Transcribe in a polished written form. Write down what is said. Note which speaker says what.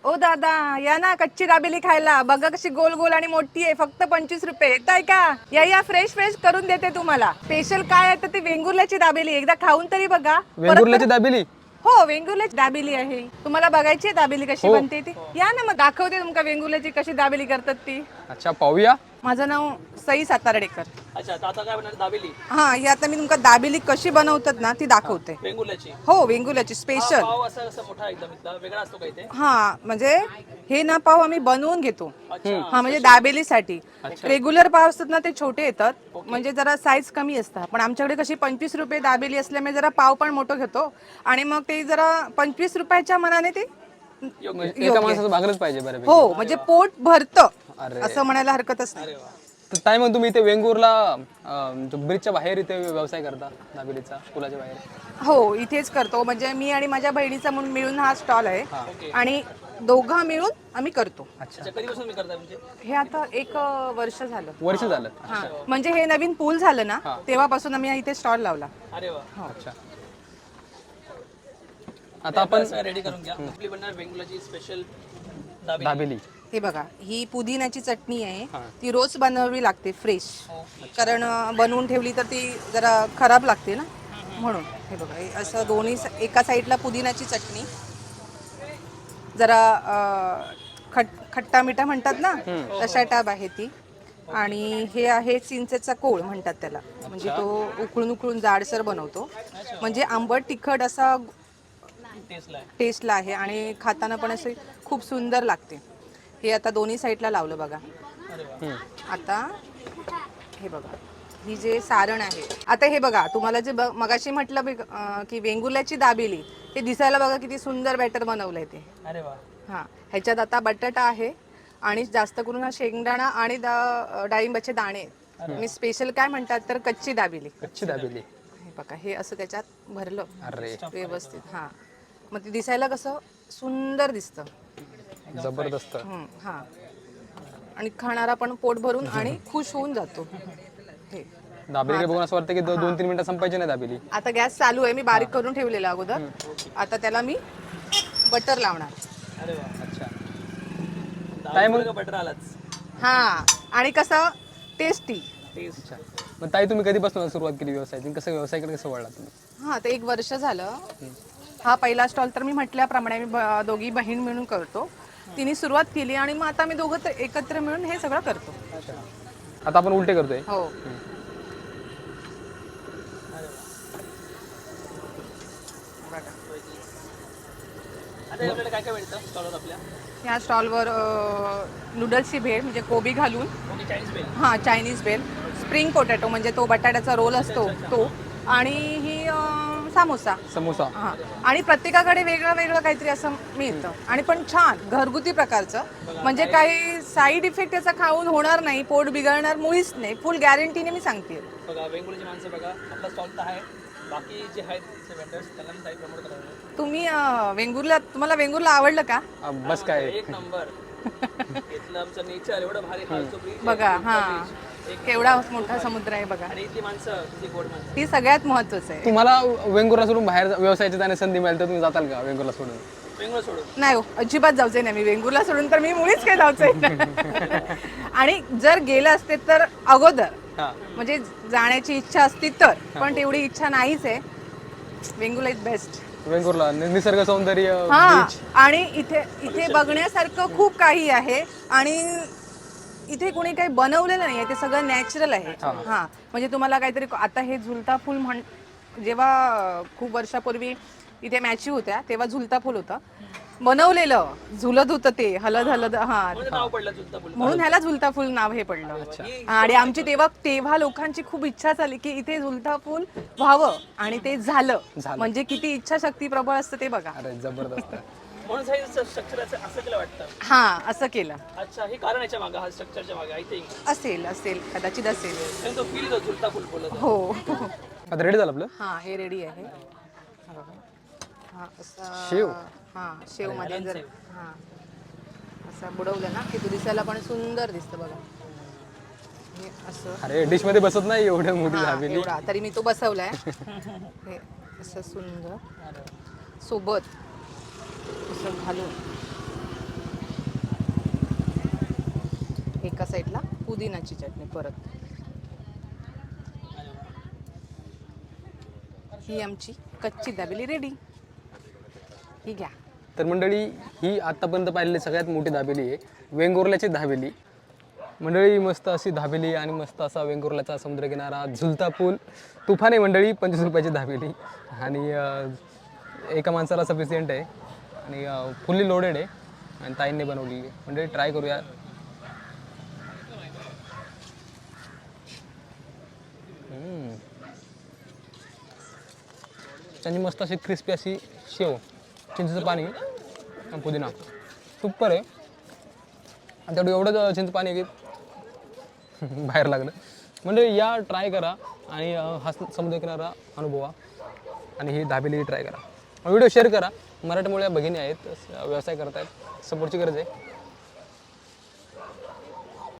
Speaker 1: ओ दादा या ना कच्ची दाबेली खायला. बघा कशी गोल गोल आणि मोठी आहे. फक्त 25 रुपये. येताय का? या फ्रेश फ्रेश करून देते तुम्हाला. स्पेशल काय आहे तर ती वेंगुर्ल्याची दाबेली एकदा खाऊन तरी बघा.
Speaker 2: वेंगुर्ल्याची दाबेली?
Speaker 1: हो वेंगुर्ल्याची दाबेली आहे. तुम्हाला बघायची आहे दाबेली कशी बनते ती? या ना मग दाखवते तुमका वेंगुर्ल्याची कशी दाबेली करतात ती.
Speaker 2: अच्छा पाहूया.
Speaker 1: माझं नाव सई सातारडेकर.
Speaker 3: अच्छा आता काय बनणार दाबेली?
Speaker 1: हा ही आता मी तुमका दाबेली कशी बनवतात ना ती दाखवते.
Speaker 3: वेंगुर्ल्याची?
Speaker 1: हो वेंगुर्ल्याची स्पेशल.
Speaker 3: पाव असा मोठा एकदम इथला वेगळा असतो का इथे?
Speaker 1: हा म्हणजे हे ना पाव आम्ही बनवून घेतो. हा म्हणजे दाबेलीसाठी. रेग्युलर पाव असतात ना ते छोटे येतात म्हणजे जरा साईज कमी असतात. पण आमच्याकडे कशी 25 रुपये दाबेली असल्यामुळे जरा पाव पण मोठं घेतो आणि मग ते जरा 25 रुपयाच्या मनाने ते
Speaker 2: एका माणसाचं भागलंच पाहिजे बऱ्यापैकी.
Speaker 1: हो म्हणजे पोट भरतं
Speaker 2: अरे.
Speaker 1: असं म्हणायला हरकतच नाही.
Speaker 2: तर ताई मग तुम्ही इथे वेंगुर्ला ब्रिजच्या बाहेर इथे व्यवसाय करता दाबेलीचा पुलाच्या बाहेर?
Speaker 1: हो इथेच करतो म्हणजे मी आणि माझ्या बहिणीचा म्हणून मिळून हा स्टॉल आहे आणि दोघं मिळून आम्ही करतो.
Speaker 3: अच्छा कधीपासून मी करता म्हणजे?
Speaker 1: हे आता 1 वर्ष झालं.
Speaker 2: वर्ष झालं?
Speaker 1: हा म्हणजे हे नवीन पूल झालं ना तेव्हापासून आम्ही इथे स्टॉल लावला.
Speaker 3: अरे वा.
Speaker 2: अच्छा आता आपण
Speaker 3: रेडी करून घ्या. आपली बनणार वेंगुर्ल्याची स्पेशल दाबेली.
Speaker 2: दाबेली.
Speaker 1: हे बघा ही पुदिन्याची चटणी आहे ती रोज बनवावी लागते फ्रेश कारण बनवून ठेवली तर ती जरा खराब लागते ना म्हणून. हे बघा हे असं दोन्ही एका साईडला पुदिन्याची चटणी जरा खट्टा मिठा म्हणतात ना तशा टाईप आहे ती. आणि हे आहे चिंचेचा कोळ म्हणतात त्याला म्हणजे तो उकळून उकळून जाडसर बनवतो म्हणजे आंबट तिखट असा टेस्टला आहे आणि खाताना पण असे खूप सुंदर लागते. हे आता दोन्ही साईडला लावलं बघा. आता हे बघा ही जे सारण आहे आता हे बघा तुम्हाला जे मगाशी म्हटलं की वेंगुर्ल्याची दाबेली ते दिसायला बघा किती सुंदर बॅटर बनवलंय ते.
Speaker 3: अरे वा.
Speaker 1: हा ह्याच्यात आता बटाटा आहे आणि जास्त करून हा शेंगदाणा आणि डाळिंबाचे दाणे. मी स्पेशल काय म्हणतात तर कच्ची दाबेली.
Speaker 2: कच्ची दाबेली.
Speaker 1: हे बघा हे असं त्याच्यात भरलं
Speaker 2: अरे
Speaker 1: व्यवस्थित. हा मग ते दिसायला कसं सुंदर दिसतं.
Speaker 2: जबरदस्त.
Speaker 1: हा आणि खाणारा पण पोट भरून आणि खुश होऊन जातो. हे
Speaker 2: दाबेली बघून असं वाटतं की 2-3 मिनिटं संपायची नाही दाबेली.
Speaker 1: आता गॅस चालू आहे मी बारीक करून ठेवलेला अगोदर. आता त्याला मी बटर लावणार.
Speaker 3: अरे वा.
Speaker 2: अच्छा
Speaker 3: दाबेली बटर आलाच.
Speaker 1: हा आणि कसं टेस्टी.
Speaker 2: अच्छा मग ताई तुम्ही कधीपासून सुरुवात केली व्यवसायाची? कसं व्यवसायाकडे कसं वळला तुम्ही?
Speaker 1: हा ते 1 वर्ष झालं. हा पहिला स्टॉल तर मी म्हटल्याप्रमाणे मी दोघी बहीण मिळून करतो. तिने सुरुवात केली आणि मग आता मी दोघं एकत्र मिळून हे सगळं करतो.
Speaker 2: आता आपण उलटे करतोय.
Speaker 1: हो
Speaker 3: आता आपल्याला काय काय मिळतं स्टॉलवर आपल्या?
Speaker 1: ह्या स्टॉलवर नूडल्सची भेळ म्हणजे कोबी घालून.
Speaker 3: Okay Chinese bhel.
Speaker 1: हां चायनीज भेळ, स्प्रिंग पोटॅटो म्हणजे तो बटाट्याचा रोल असतो तो आणि ही समोसा.
Speaker 2: समोसा.
Speaker 1: हां आणि प्रत्येकाकडे वेगळं वेगळं काहीतरी असं मिळतं आणि पण छान घरगुती प्रकारचं म्हणजे काही साईड इफेक्ट त्याचा खाऊन होणार नाही, पोट बिघडणार मुळीच नाही, फुल गॅरंटीने मी सांगते.
Speaker 3: बघा वेंगुर्ल्याची माणसं बघा आपला स्टॉल तर आहे. बाकी जे आहेत वेंडर्स त्यांना मी काही प्रमोट करायला.
Speaker 1: तुम्ही तुम्हाला वेंगुर्ला आवडलं का?
Speaker 2: बस काय
Speaker 3: एक नंबर. इथलं आमचं नेचर एवढं भारी. खालचं ब्रिज
Speaker 1: बघा हा केवढा मोठा समुद्र आहे बघा.
Speaker 3: आणि इथली माणसं किती गोड माणसं.
Speaker 1: ती सगळ्यात महत्वाचं आहे.
Speaker 2: तुम्हाला वेंगुर्ला सोडून बाहेर व्यवसायाची जाण्याची संधी मिळाली तर तुम्ही जाताल का वेंगुर्ला सोडून?
Speaker 3: वेंगुर्ला सोडून
Speaker 1: नाही हो अजिबात जायचंय नाही मी वेंगुर्ला सोडून तर मी मुळीच काही जायचंय. आणि जर गेलं असते तर अगोदर म्हणजे जाण्याची इच्छा असती तर पण तेवढी इच्छा नाहीच आहे. Vengurla is best.
Speaker 2: वेंगुर्ला निसर्ग सौंदर्य.
Speaker 1: हा आणि इथे बघण्यासारखं खूप काही आहे आणि इथे कोणी काही बनवलेलं नाही आहे ते सगळं नॅचरल आहे. हा म्हणजे तुम्हाला काहीतरी आता हे झुलता फूल जेव्हा खूप वर्षापूर्वी इथे मॅची होत्या तेव्हा झुलता फूल होतं बनवलेलं झुलत होतं ते हलद हलद. हा
Speaker 3: नाव पडलं झुलता फुल
Speaker 1: म्हणून ह्याला झुलता फूल नाव हे पडलं. आणि आमची तेव्हा लोकांची खूप इच्छा झाली की इथे झुलता फूल व्हावं आणि ते झालं. म्हणजे किती इच्छाशक्ती प्रबळ असतं ते बघा.
Speaker 2: अरे जबरदस्त.
Speaker 3: म्हणून स्ट्रक्चर असं केलं वाटतं.
Speaker 1: हा असं केलं.
Speaker 3: अच्छा हे कारण याच्या मागं हा स्ट्रक्चरच्या मागे आय थिंक
Speaker 1: असेल कदाचित असेल.
Speaker 3: तो फील होतो झुलता फुल बोलत.
Speaker 1: हो
Speaker 2: आता रेडी झालं आपलं?
Speaker 1: हा हे रेडी आहे. हा असा
Speaker 2: शेव.
Speaker 1: हा शेव मध्ये जर हा असं बुडवलं ना की तो दिसायला पण सुंदर दिसतं बघा. हे असं
Speaker 2: अरे डिश मध्ये बसत नाही एवढं मोठी दाबेली.
Speaker 1: एवढा तरी मी तो बसवलाय. हे असं सुंदर सोबत असं घालून एका साईडला पुदिनाची चटणी परत. ही आमची कच्ची दाबेली रेडी. ही घ्या.
Speaker 2: तर मंडळी ही आत्तापर्यंत पाहिलेली सगळ्यात मोठी दाबेली आहे, वेंगुर्ल्याची दाबेली. मंडळी मस्त अशी दाबेली आणि मस्त असा वेंगुर्ल्याचा समुद्रकिनारा, झुलता पूल, तुफान आहे मंडळी. 25 रुपयाची दाबेली आणि एका माणसाला सफिशियंट आहे आणि फुल्ली लोडेड आहे आणि ताईंनी बनवलेली आहे. मंडळी ट्राय करूया. त्यांची मस्त अशी क्रिस्पी अशी शेव, चिंचेचं पाणी आणि पुदिना सुपर आहे. आणि तेवढं एवढंच चिंच पाणी आहे की बाहेर लागलं. म्हणजे या ट्राय करा आणि हा समुद्रकिनारा अनुभवा आणि ही दाबेली ट्राय करा. व्हिडिओ शेअर करा. मराठमोळ्या भगिनी आहेत, व्यवसाय करत आहेत, सपोर्टची गरज आहे.